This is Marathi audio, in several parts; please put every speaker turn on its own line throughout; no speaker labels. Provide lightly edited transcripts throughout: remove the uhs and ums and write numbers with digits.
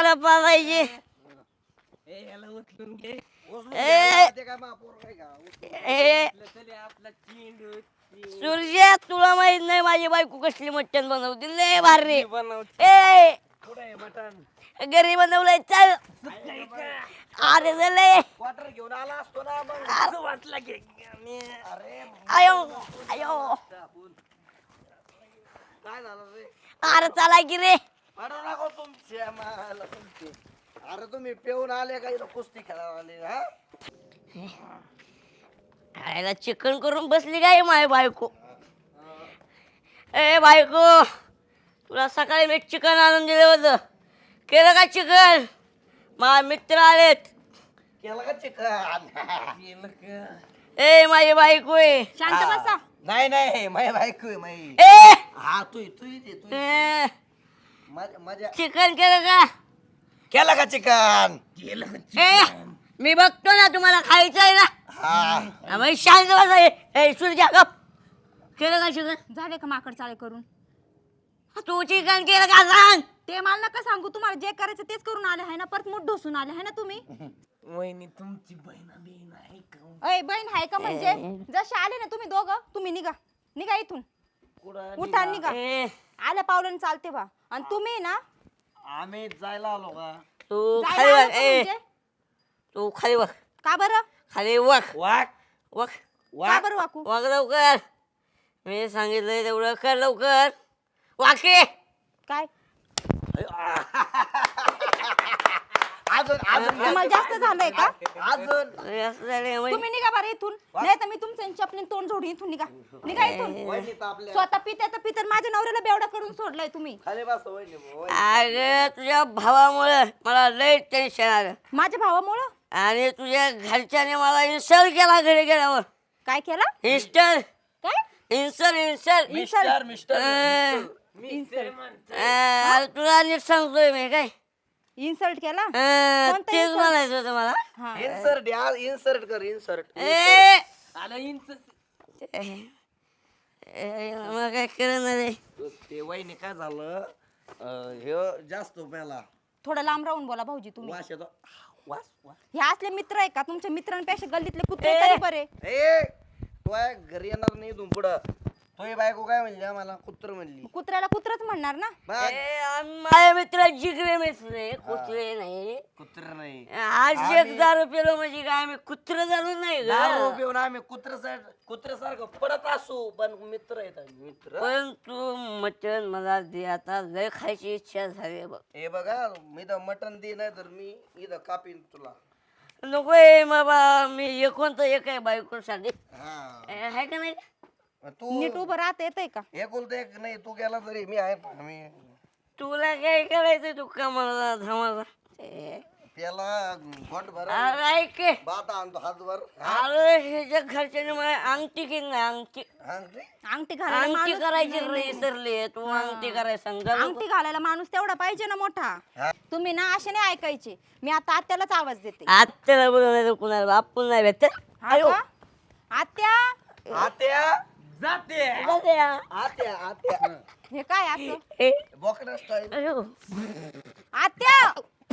पोरं पाहायचे.
याला उचलून घे.
सूर्या तुला माहित नाही माझी बायको कसली मटण बनवते लय भारी.
बनवते.
ए
कुठं आहे मटण?
घरी बनवलंय चल. अरे लय
क्वार्टर घेऊन आला असतो ना मग असं वाटलं की अरे
आयो आयो
काय झालं रे?
अरे चला की रे.
पडू नको तुमच्या माला तुमचे. अरे तुम्ही पिऊन आले का इथं कुस्ती खेळायला आले हा?
आयला चिकन करून बसली काय माझी बायको. ए बायको तुला सकाळी मी चिकन आणून दिलं होतं केलं का चिकन. माझे मित्र आलेत.
केलं का चिकन? केलं का?
ए माझी बायको आहे.
शांत बसा.
नाही नाही माझी बायको आहे माझी.
ए
हा तू तू
ए,
माझ्या
चिकन केलं का.
केलं का चिकन? केलं
ए मी बघतो ना तुम्हाला खायचं आहे ना.
हा
मग शांत बसा. ए सूर्या गप. केलं का चिकन.
झाले का माकड चाळे करून.
तू चिकन केलं का सांग.
ते मला नका सांगू. तुम्हाला जे करायचं तेच करून आले आहे ना. परत मुठ ढोसून आले आहे ना तुम्ही.
वहिनी तुमची बहीण आहे का?
अय बहीण आहे का म्हणजे जसे आले ना तुम्ही दोघं तुम्ही निघा निघा इथून. उठा निघा.
ए
आल्या पावलाने चालते बा. आणि तुम्ही ना
आम्ही जायला आलो का?
तू
जायला
खाली
आलं
बघ.
का
ए
म्हणजे?
तू खाली बघ.
का बरं
खाली बघ.
वाक
बघ
का बरं वाकू.
वाग लवकर. मी सांगितलंय तेवढं कर लवकर. वाके
काय
अजून अजून
तुम्हाला जास्त झालंय का.
अजून
तुम्ही निघा बरं इथून. नाही तर मी तुमचं चपलीन तोंड जोडून इथून निघा निघा इथून.
वहिनी तापल्या.
स्वतः पित्या माझ्या नवऱ्याला बेवडा करून सोडलाय तुम्ही.
खाली बस वहिनी.
अगं तुझ्या भावामुळे मला लय टेन्शन आलं.
माझ्या भावामुळं
आणि तुझ्या घरच्याने मला इन्सल्ट केला घरी गेल्यावर.
काय केला.
इन्स्टल
काय
इन्सल्ट
मिस्टर मिस्टर
तुला नीट सांगतोय मी काय.
इन्सल्ट केला.
तेच
insult?
म्हणायचं होतं मला.
हा.
इन्सर्ट यार इन्सर्ट कर इन्सर्ट.
ए
आलं इंच.
मग काय करणार रे.
ते वहिनी काय झालं हे जास्त प्याला
थोडं लांब राहून बोला भाऊजी तुम्ही.
वास येतो. वास वास.
हे असले मित्र आहे का तुमच्या मित्रांपेक्षा गल्लीतले कुत्रे तरी बरे.
ए तू आहे घरी येणार नाही इथून पुढं. तो बायको काय म्हणली आम्हाला कुत्र म्हणली.
कुत्र्याला कुत्रच म्हणणार ना.
बघ,
माझ्या मित्र जिगरे मित्र कुत्रे नाही.
कुत्र नाही.
आज एक दारू पेलो म्हणजे काय आम्ही कुत्र झालो नाही
दारू
ग.
पिऊन आम्ही कुत्र्यासारखं पडत असू पण मित्र आहेत आम्ही, मित्र.
पण तू मटण मला दे आता लय खायची इच्छा झाली बघ.
हे बघा मी तर मटण दे नाही तर मी इथं कापीन तुला.
नकोय बाबा मी एकोणतं एक आहे बायकोसाठी.
हा
आहे का नाही.
तू
नीट उभं राहता येतंय का.
एकुलता एक नाही तू गेला तरी मी आहे मी
तुला काय करायचं तू कामाला धामाला.
त्याला घोट भर
अरे ऐक
बाता आणतो हातभर.
अरे ह्याच्या घरच्याने मला अंगठी केली नाही. अंगठी
अंगठी घालायला
अंगठी
माणूस-
करायची विसरली तू. अंगठी करायला सांग.
अंगठी घालायला माणूस तेवढा पाहिजे ना मोठा. तुम्ही ना असे नाही ऐकायचे. मी आता आत्यालाच आवाज देते.
आत्याला बोलवलं कुणाला बापून नाही भेटत.
हा का? आत्या
आत्या जाते आत्या आत्या
हे काय असं.
बोकडा स्टाईल.
आत्या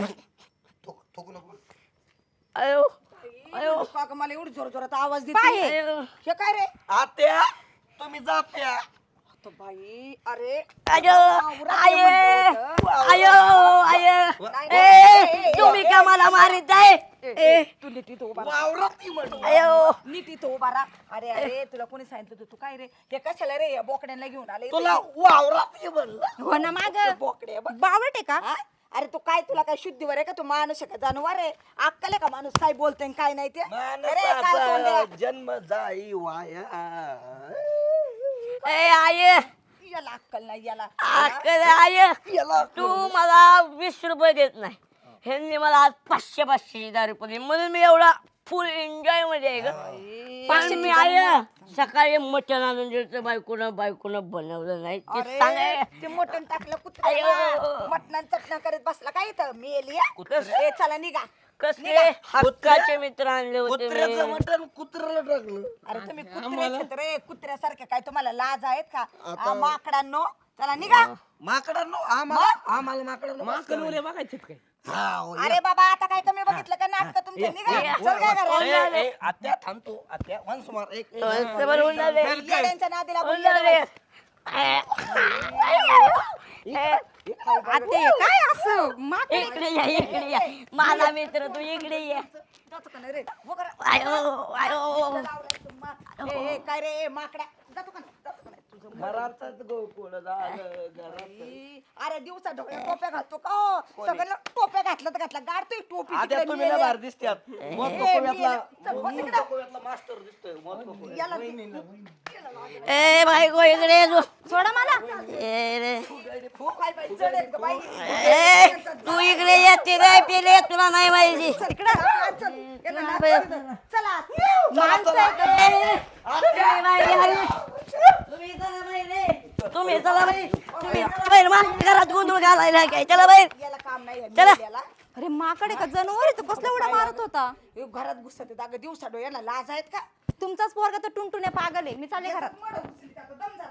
थोकू नको.
अयो अयो
काका मला एवढी जोर जोरात आवाज
काय
देते.
हे?
अयो
हे काय रे.
आत्या तुम्ही जात्या.
तो बाई अरे
अयो आय अयो आय
नाही,
ए तुम्ही का मला मारित आहे.
तू नीट इथं उभा
वावरात ती म्हणतो.
अयो
नीट इथं उभा राहा. अरे अरे तुला कोणी सांगितलं होतं तू काय रे हे कशाला रे या बोकड्यांना घेऊन आले
तुला वावरात ती म्हणलं.
हो ना माग
बोकडे बघ.
बावट आहे का.
हा? अरे तू काय तुला काय शुद्धीवर आहे का तू माणूस आहे का जानवर आहे. अक्कल आहे का माणूस काय बोलतोय आणि काय नाही ते. अरे काय तोंड्या.
माणसाचा जन्म जाई वाया.
ए आय
याला अक्कल नाही याला.
अक्कल आय
याला
तू मला 20 रुपये देत नाही. ह्यांनी मला आज 500 दारू पडली म्हणून मी एवढा फुल एन्जॉय मध्ये आहे ग. पण मी आय सकाळी मटण आणून दिलं बायकोनं बनवलं नाही ते
अरे
सांगाय.
ते मटण टाकलं
अयो.
कुत्र्याला. मटणान चटणा करत बसला काय इथं मी एली
कुत्रे?
चला निघा.
कसले हक्काचे मित्र आणले होते
कुत्र्याचं
मी.
मटण कुत्र्याला टाकलं.
अरे तुम्ही कुत्रे रे कुत्र्यासारखे काय तुम्हाला लाज आहेत का. माकडांनो चला निघा.
माकडांनो आम्हाला माकडांनो
माकडं बघायचे काय.
अरे बाबा आता काय कमी बघितलं का नाटक तुमचे निघा चल काय करा
आत्या थांबतो आत्या वन्स मार एक
समोर उन्हाळे.
येड्यांच्या नादीला
उन्हाळे.
आते काय असं माकडे
इकडे या माझा मित्र तू इकडे ये.
जातो का नाही रे हो करा.
आयो आयो
ए, काय रे ए, माकड्या जातो का नाही? जातो का नाही? तुझं
घरातच गोकुळ झालं घरात
ई, अरे दिवसा डोक्यात टोप्या घालतो का हो? सगळं टोप्या घातलं तर घातला गाडतोय टोपी
आत्या
तिकडे
तुम्ही लय
मेल्या.
भारी दिसत्यात मत कोकोव्यातला मास्टर दिसतोय मत कोकोव्यात.
याला
ए बायको इकडे ये तू.
सोडा मला
ए रे
हो काय बाई जड आहेत का बाई
ए तू इकडे ये तिला पिले तुला नाही माहिती
चल इकडे चल याला नाच. चला
माणसं आहेत. तुम्ही बाई हरी. तुम्ही चला बाई तुम्ही बाहेर माझ्या घरात गोंधळ घालायला काय चला बाहेर
याला काम नाही
चला.
याला
अरे माकडे का जनावर आहे, तो कसला उड्या मारत होता.
हे घरात घुसत आहेत. अगं दिवसा डोळ्याला लाज आहेत का
तुमचाच पोरगा तर टुनटुण्या पागल आहे. मी चालले घरात.
मड घुसली का? दम